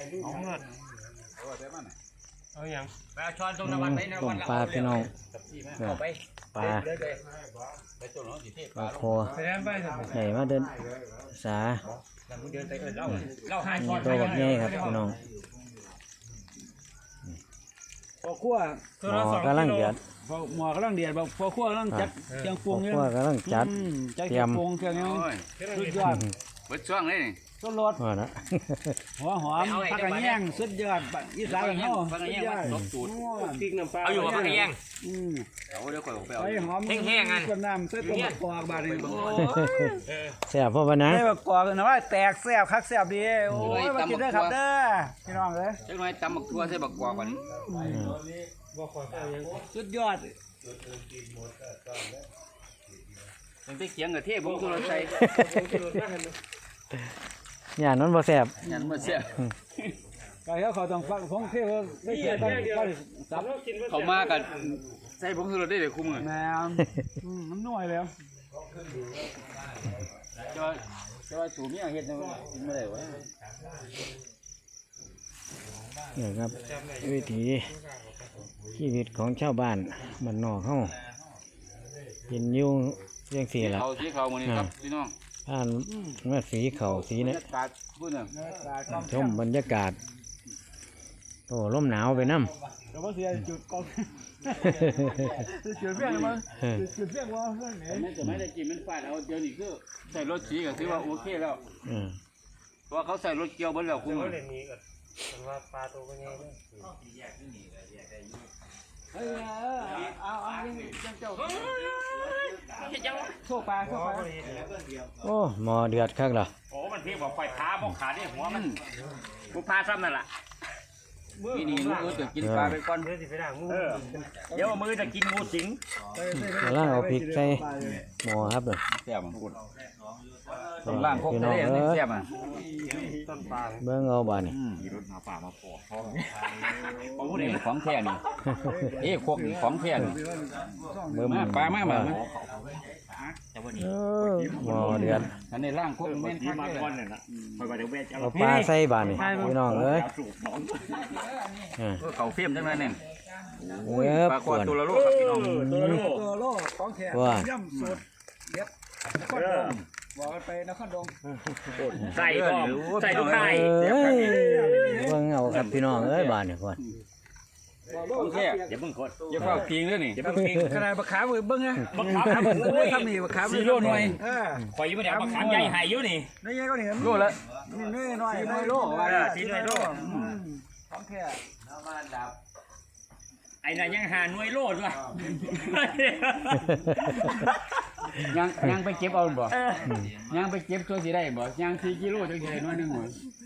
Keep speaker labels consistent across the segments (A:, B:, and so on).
A: เอาอย่างไปเอาช้อนตรง
B: ต้
A: น้ำมันไปน้ำมัน
B: มปลาพี่น้อง
A: เอาไป
B: ปลาคอ
A: ไปแล้วไป
B: ใหญ่มาเดินสา
A: เดินไปเล่าหาช้อน
B: ตัวแบบใหญ่ครับพี่น้อง
C: พอคั่ว
B: หมอกำลังเดือด
C: พอหมอกำลังเดือดพอคั่วกำลังจัดเครื่องปรุงเนี่ย
B: พวกกำลังจัด
C: จัดเครื่องปรุงเครื่องนี้สุดยอด
D: เบิดช่วงเลยนี่
C: ต้นรส
B: ว่านะ
C: หัวหอมผักกระเนียงสุดยอดอีสานของเรา
D: ฟังยังว่าตบสูตร
A: พริกน้ำปลาเอาอยู่กับผักกระเทียม
D: เอาเดี๋ยวก่อนไปเอา
C: ไอ้หอม
A: แห้งๆอัน
C: ส่วนน้ำใส่ตัวมะกอกบาดนี้
B: แซ่บพ่อปะนะ
C: ใส่มะกอกนะว่าแตกแซ่บคักแซ่บดีโอ้ยมากินได้ครับเด้อพี่น้องเอ้ย
D: จังหน่อยตำบักทั่วใส่บักกวาก่อน
C: สุดยอด
D: เป็นไปเคียงกับเทพผมคือเราใส่
B: อย่างนั้นบ่แซ่บ
D: ยันมาเสีย
C: ก็เดี๋ยวเขาต้องฟังของเที่ยวได้เกี่ยวกับจับ
D: เขามากันใส่ผมคือเราได้เลยคุ้มเลย
C: แม่มันน่วยแล้ว
D: จะว่าสูบเนี่ยเฮ็ดกินไม่ได้วะ
B: นี่ครับวิถีชีวิตของชาวบ้านบ้านนอกเฮากินอยู่เรื่องสีละ
D: เขาที่เขามื้อนี้ครับพี่น้อง
B: ผ่านมาสีเขาสีเนี่ย
D: บรรยากาศพูดน่ะ
B: ชมบรรยากาศโอ้ลมหนาวไปน้ำ
C: แต่ว่าเสียจุดกองจุดเพี้ยงมั้งจุดเพี้ยงว่าเรื่องไหน
D: มันจะไม่ได้กินมันฟาดเอาเดี๋ยวนี้คือใส่รถสีก็ถือว่าโอเคแล้ว
B: อืม
D: เพราะว่าเขาใส่รถเกี่ยวเบิดแล้วคุ้ม
A: เล่นนี้ก่อนมันว่าปลาตัวเป็นไงเนี่ย
C: เอาโชคปลาโชคปลา
B: โอ้หมอเดือดคักเหรอ
A: โอ้มันเพียบอกไฟขาบอกขาได้หัวมันกูพาซ้ำนั่นแหละ
D: นี่นี่ลูกจะกินปลาไปก่อน
A: เดี๋ยวสิไปด่างงูเดี๋ยวมือจะกินงูสิง
B: กำลังเอาพริกใส่หม้อครับเลย
D: แซ่บมันพูดต้นล่างพก
B: พี่น้
D: ทะ
B: อง
D: เล
B: เอ้
D: นี่
B: ย
D: แซ่บอ่ะ
A: ต้นปลา
B: เบิ่งเอาบ้านนี่
D: รถหาป่ามาปอกนี่ของแท้นี่เอ้พวกนี่ของแท้นี่
B: เบิ่ง
D: มาปลามา
B: เออหม้อเดือด
D: อันนี้ล่างพวกแม่นคัก
A: มา
D: เลย
A: ก่อนเนี่ยนะคอยไปเดี๋ยวเวท
B: เอาปลาใส่บ้านนี่พี่น้องเอ้ยอ่า
D: เขาเฟี้ยมจังเลยเนี่ย
B: เออ
D: ปลา
B: ป
D: กว
B: ว
D: ด
B: ด
D: ตัวละโลครับพี่น้อง
C: ตัวโลของแขก
B: ว่า
C: ย่ำสุดเด็ดนครดงบอกกันไปนครดง
A: ใส่ก็ใส่ทุกไข่
B: เอ้ยเบิ่งเอาครับพี่น้องเอ้ยบ้านนี่ก่อน
D: ของแท้
A: อย่าเพิ่งกด
D: อย่าเฝ้าพิงด้วยนี่
A: อย่าเพิ่งกิน
C: ขนาดบักขามมือเบิ้งนะ
A: บักขาม
C: โอ้ยทำนี่บักขาม
D: 4 โลหน่วย
A: คอยอยู่ไม่ได้บักขามใหญ่หายอยู่นี่
C: นี่ไงก็เห็น
D: โลละ
C: นี่น้อยน้อยโล
A: 4 โล
C: ของแขก
A: ไอ้นั่นยังหาหน่วยโลดว่ะ
D: ยังไปเก็บเอาบ่ยังไปเก็บตัวสิได้บ่ยัง4 กิโลจังสิได้หน่วยนึงบ่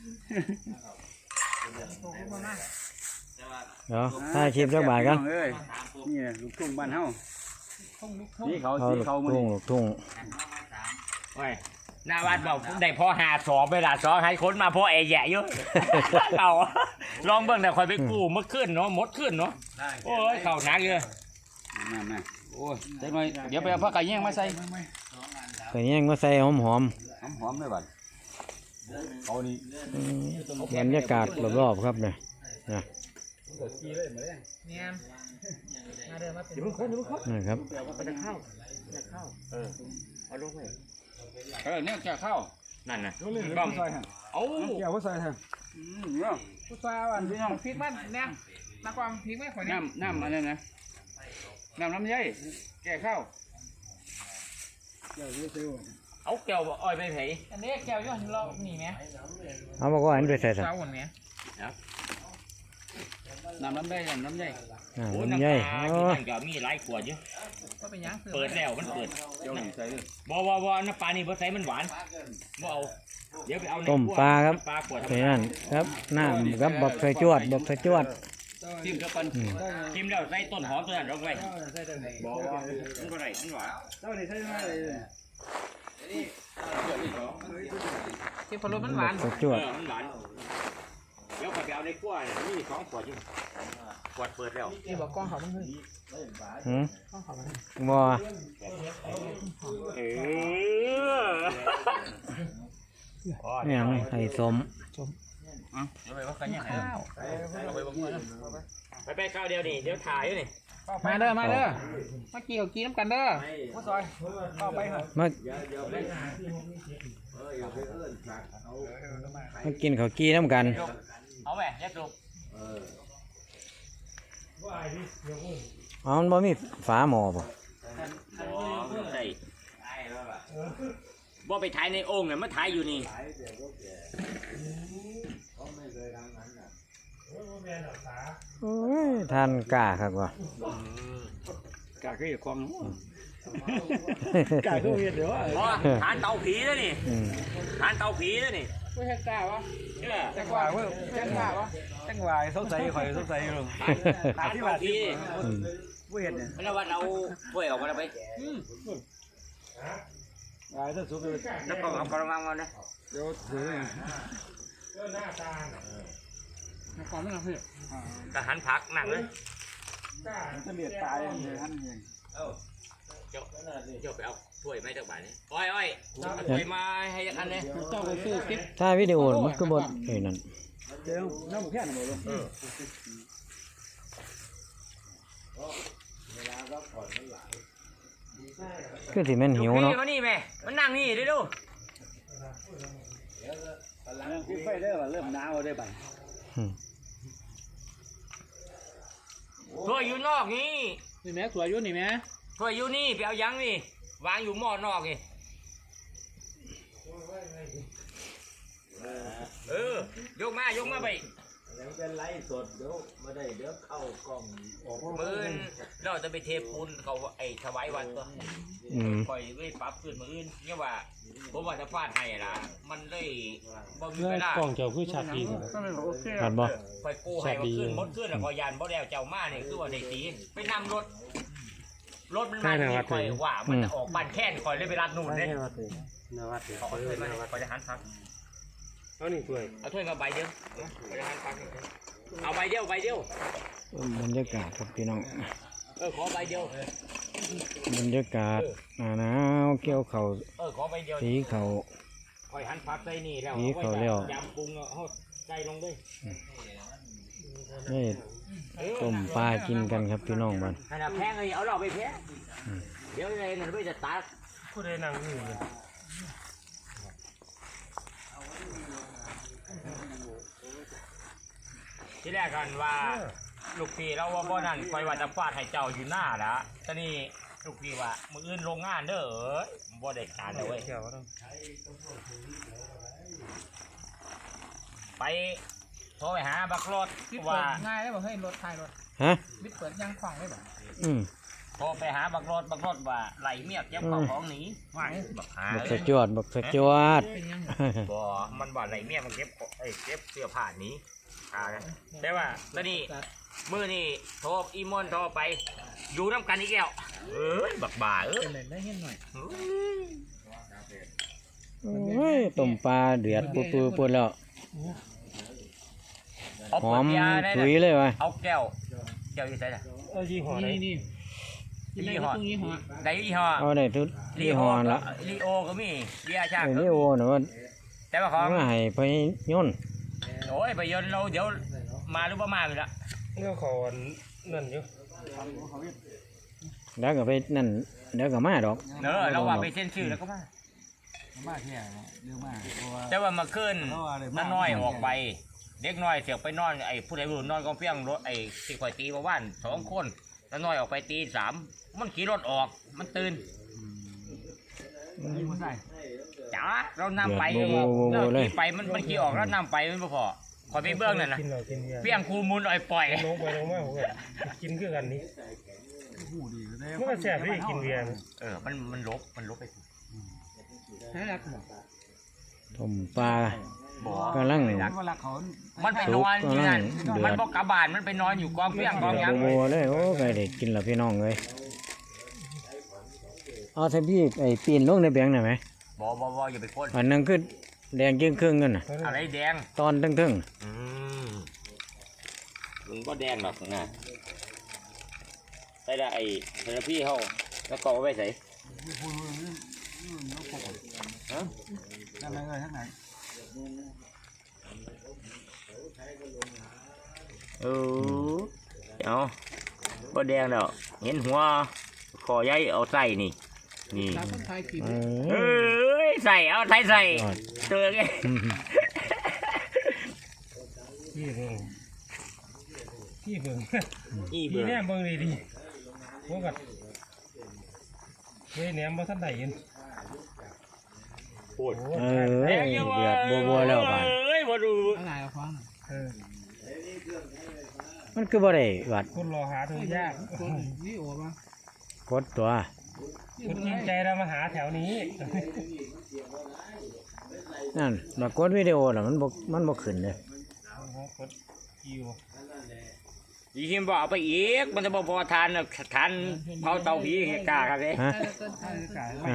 B: เดี๋ยวถ่ายคลิปจักบาทกัน
D: เอ้ยนี่ลูกทุ่งบ้านเฮาสีเขา
B: เอา
D: สี
B: ลูก
D: เขามื้อ
B: ทุ่ง
D: นี้
B: ลูกทุ่ง
A: โอ้ยหน้าวัดบอกได้พอหาสอบเวลาสอบให้คนมาพอไอ้แย่อยู่เอาลองเบิ่งแต่คอยไปกู้เมื่อคืนเนาะหมดคืนเนาะโอ้ยเข่าหนักเลย
D: มาโอ้ยจังหน่อยเดี๋ยวไปเอาผักกะแยงมาใส่
B: ก็ยังมาใส่หอม
D: หอมๆเลยบัดเอานี่
B: ๆอืมบรรยากาศรอบๆครับเนี่ยนะ
A: อย่าเพิ่งคนอย่าเพิ่งคน
B: นะครับ
A: มันจะเข้าเอาลงไป
D: เนี่ยแก่ข้าว
A: นั่นน่ะ
C: บ้องใส่ฮะ
A: เอา
C: เกี่ยวก็ใส่ฮะ
D: เนาะ
C: ผู้สาวอันพี่น้องพริกมันเนี่ยนักความพริกไม่ข่อยเนี่ย
D: น้ำอะไรนะน้ำไยแก่ข้าว
A: เอาแก้วอ้อยไปไผ
E: อันนี้แก้วย้อนเราหนีไหม
B: เอามาก็อันไปใส่สัก
E: เจ้าหวนไหม
D: น้ำไย
A: โอ้
B: น้ำ
A: น้ำ
B: ใหญ่
A: ปลา
B: โอ้
A: ที่นั่นก็มีหลายขวดอยู่
E: ก็เป็นยัง
A: เปิดแล้วมันเปิด
D: เดี๋ยวนี่ใส่เลย
A: บ่น้ำปลานี่บ่ใส่มันหวานบ่เอาเดี๋ยวไปเอาใน
B: ต้มปลาครับ
A: ปลาขวด
B: ไปนั่นครับน้ำครับบักใส่จวดบักใส่จวด
D: จิ้มกับปัน
A: กินแล้วใส่ต้นหอมตัวนั้นลงไปบ่มันก็ได้มันหวาน
C: เจ้านี่ใช่ไหม
E: ที่พอรสมันหวาน
B: ใส่จวด
A: มันหวานเดี๋ยวขอยไปเอาในครัวเนี่ยมี2ขวดอยู่ขวดเปิดแล้ว
E: ที่บอกกล้องเขามันขึ้น
B: หืม
E: กล้องเขามัน
B: บ่
A: เออ
B: เนี่ยไข่สม
A: เดี๋ยวไปว่ากันยังไงเอาไปบอกเพื่อนไปข้าวเดียวนี่เดี๋ยวถ่ายอยู่นี่
E: มาเด้อมากี่กับกี่น้ำกันเด้อ
C: ผู้ซอยเข้าไปครับ
B: มากินข้าวกี้น้ำกัน
A: เอาแหวแยกลูก
B: อ๋อมันบ่มีฝาหม้อป่ะ
A: ใส่บ่ไปถ่ายในโอ่งเนี่ยมาถ่ายอยู่นี่
B: โอ้ยทานกล้าครับว่ะ
C: กาคือความกาคือเห็ดเดี๋ยว
A: อ๋อทานเตาผีแล้วนี่
B: อืม
A: ทานเตาผีแล้วนี่
E: ไม่ใช่กล้าวะ
A: เนี่ย
C: จังหวะเพิ่มจังหวะจังหวะสงสัยข่อยสงสัยอยู่
A: ทานเตาผี
C: ผู้เห็ดเนี่ย
A: แล้ววันเอาถ้วยออกมาแล้วไป
C: ถ้าสุกเลย
A: แล้วก็เอากระมังมานะ
C: เดี๋ยวถือ
E: ก่อนไม่เอาเพื่อน
A: ทหารผักหนักเลย
C: จะเลียดตายเลยท่านเอง
A: เจ้าไปเอาถ้วยไม่จากบ้านนี่อ้อยเอาถ้วยมาให้อันนี้
E: เจ้าไปซื้อคลิป
B: ถ้าวิดีโอมันก็บดนั่น
C: เดี๋ยวน้ำหมูแค่ไหนบ่ลง
B: คือสิแม่นหิวเนาะ
A: มานี่แม่มันนั่งนี่ดิดู
C: พี่ไฟได้ป่ะเริ่มหนาวได้ป่ะ
B: อืม
A: ถ้วยอยู่นอกนี่
E: นี่แม่สวยยุ่นนี่แม่
A: ถ้วยอยู่นี่ไปเอายังนี่วางอยู่หม้อนอกนี่ยกมาไปเป็นไลฟ์สดเดี๋ยวมาได้เดี๋ยวเข้ากล้องมือเราจะไปเทปูนเขาไอ้ถวายวันตัว
B: อืม
A: ปล่อยไว้ปรับขึ้นมืออื่นเนี่ยว่าผมว่าจะฟาดให้ล่ะมันเลยบ่มีเวลาก
F: ล้องเจ้าคือชัดดีครับ
E: ก็เลยบอกโอเค
B: ขาดบ่
A: คอยกู้ให้มาขึ้นมดขึ้นแล้วก็ยันบ่แล้วเจ้ามาเนี่ยคือว่าได้ตีไปนำรถมันมาที่คอยว่ามันจะออกบ้านแค่นคอยเลยไปรัดนู่นเด้
F: นวัด
A: เอาถ้วยมาคอยจะหันพัก
F: เอานี่ถ้วย
A: เอาถ้วยมาใบเดียวคอยจะหันพักเอาใบเดียว
B: บรรยากาศครับพี่น้อง
A: ขอใบเดียว
B: บรรยากาศหนาวเกี่ยวเขาว
A: ขอใบเดียว
B: สีเขาว
A: คอยหันพักใส่นี่แล้ว
B: นี่เขาเรียก
A: ยำปรุงเอาใส่ลงด้วย
B: ได้ต้มปลากินกันครับพี่น้องบ้าน
A: ขนาดแพงเลยเอาเราไปแพงเดี๋ยวอะไรนั่นไม่จะตัด
F: ผู้ใดนั่งนี่เลย
A: ที่แรกกันว่าลูกพี่เราว่าบ่นั่นคอยว่าจะฟาดให้เจ้าอยู่หน้าละตอนนี้ลูกพี่ว่ามืออื่นโรงงานเด้อบ่ได้การเลยเว้ยไปโทรไปหาบักรถ
E: บิด
A: ว่า
E: เปิดง่ายได้บอกให้รถไทยรถ
B: ฮะ
E: บิดเปิดยังขวางได้บอก
B: อืม
A: โทรไปหาบักรถว่าไหลเมียกเก็บข้าวของหนีว่าบักหา
B: บักสะจวดบักสะจวด
E: เป็นยัง
A: บ่มันบ่ไหลเมียกมันเก็บเก็บเสื้อผ้าหนีแต่ว่าตอนนี้มื้อนี้โทรอีมอนโทรไปอยู่น้ำกันอีกแล้วบักบ่า
E: เป็นเลยได้เห็นหน่อย
B: โอ้ยต้มปลาเดือดปุดๆแล้ว
A: เอา
B: ห
A: เปิ
B: อ
A: ด
B: ม
A: เบียร์ได้
B: ถุย
A: นะ
B: เลยวะ
A: เอาแก้วอยู่ไหนล่ะ
F: เอายี่ห้อไหน
E: นี่กินได้ก็ตรงนี้หัว
A: ได้ยี่ห้อ
B: เอาได้ทุกยี่ห้อละ
A: ลีโอก็มีเบียร์ชา
B: ไอ้
A: ก็
B: นี่โอ้นะว่า
A: แต่ว่าของ
B: มาให้ไปย่น
A: โอ้ยไปยนต์เราเดี๋ยวมาหรือว่ามาอยู่ละ
F: ก็ขอนั่นอยู่
B: แล้วก็ไปนั่นเดี๋ยวก็มาดอก
A: เนอะเราว่าไปเซ็นชื่อแล้วก็มา
C: มากเนี่ยเยอะมากเพราะว่า
A: แต่ว่ามาขึ้นน้อยออกไปเด็กน้อยเสียไปนอนไอ้ผู้ใดผู้นอนกองเพียงรถไอ้ที่คอยตีมาว่าน2 คนน้อยออกไปตี 3มันขี่รถออกมันตื่นจ๋าเรานำไปเราขี่ไปมันขี่ออกแล้วนำไปมันพอคอยไปเบื้องนั่นนะ
F: กินเรากินเบียร์
A: เพียงคูมูลอ่อยปล่อย
F: ลงไปลงมาผมก็กินคือกันนี่มันก็แซ่บที่กินเบียร์
A: มันลบไป
E: ให้รักบอก
B: ต้มปลา
A: บ่
B: กำลัง
C: เวลาเขา
A: มันไปนอนอยู่นั่น
B: เดือด
A: มันบอกกลับบ้านมันไปนอนอยู่กองเพียงกองหยัง
B: โบเลยโอ้ไก่เด็กกินแล้วพี่น้องเลยเอาใส่พี่ไอ้ปีนลงในแบงค์หน่อยไหม
A: บ่อย่าไปพ่น
B: อันนั้นคือแดงเกี้ยงครึ่งกันน่ะ
A: อะไรแดง
B: ตอนทึ่ง
A: มันก็แดงหรอกนะใส่ได้ไอ้เทอราพี่เขาแล้วก็เอาไว้ใส่
C: นั่นเลยทั้งไหน
A: เอาบ่แดงแล้วเห็นหัวคอใหญ่เอาใส่นี่
E: ตามคนไทยกิน
B: เออ
A: ใส่เอาไทยใส่
B: ยอด
A: เจอไง
F: พี่เบิ่งพี่เบิ่ง
A: อี
F: พี่
A: เบื่อ
F: แนมเบิ่งดีพวกกัดเฮ้ยแหนมบ่ทันได้ยิน
B: เออเดือดบัวๆแล้วบาด
A: เอ้ยบ่ดู
E: อะไรเอาฟัง
F: เออ
B: มันคือบ่ได้วัด
F: คนรอหาเธอยาก
E: คนนี่โอ้บ้าง
B: กดตัว
F: คนจริงใจเรามาหาแถวนี้
B: นั่นมากดวิดีโอน่ะมันบ่ขึ้นเลย
F: กดคิว
A: ยีหิมบอกเอาไปอีกมันจะบ่พอทานน่ะทานเผาเตาผีให้กล้าครับเด้
B: ฮะ
E: ไม่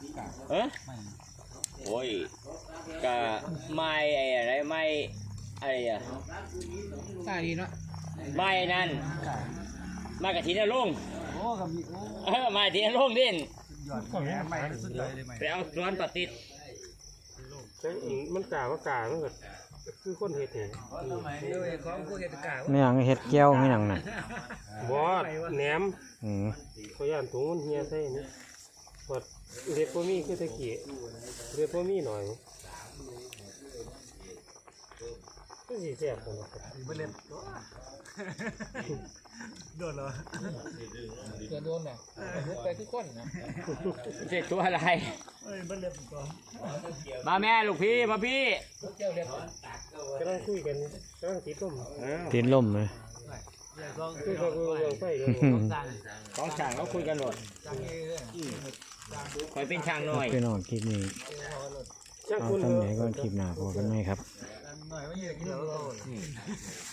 A: โอ้ยก็ไม่ไอ้อะไรไม่อะไรอ่ะ
E: ใช่ดีเนาะ
A: ไม่นั่นมากระถินลุง
E: โอ้กับมีโอ้
A: มาทีนลุงดิน
F: ก็ไม่ไม่
E: สุดยอดเลยไหม
A: ไปเอาสวนปฏิษฐ์
F: มันกามันก็คือคนเฮ็ดเอง
E: ของพวกเหตุการณ์
B: ไม่หยังเฮ็ดแก้วไม่หยังน่ะ
F: บอสแหนม
B: อืม
F: เขาย่านถุงมันเฮียใส่นี่พอเรียกบ่มีคือตะกี้เรียกบ่มีหน่อยก็สิแซ่บพุ่นล่ะ
E: ไม่เล่นโดนเหรอโดนเนี่ยไปทุกคนนะ
A: เจ็ดตัวอะไรมาแม่ลูกพี่มาพี่
F: กำลังคุยกันกำลังติดลม
B: ตีนล่มเลย
F: คือเขาเรื่องไฟเลย
A: ของช่างเราคุยกันหมดคอยเป็นช่างหน่อย
B: พี่น้องคลิปนี้
F: ช่าง
B: เอา
F: คุณ
B: ทำไหนก่อนคลิปหน้าพอกันไหมครับ
E: หน่อยว่าเยอะกินแล้ว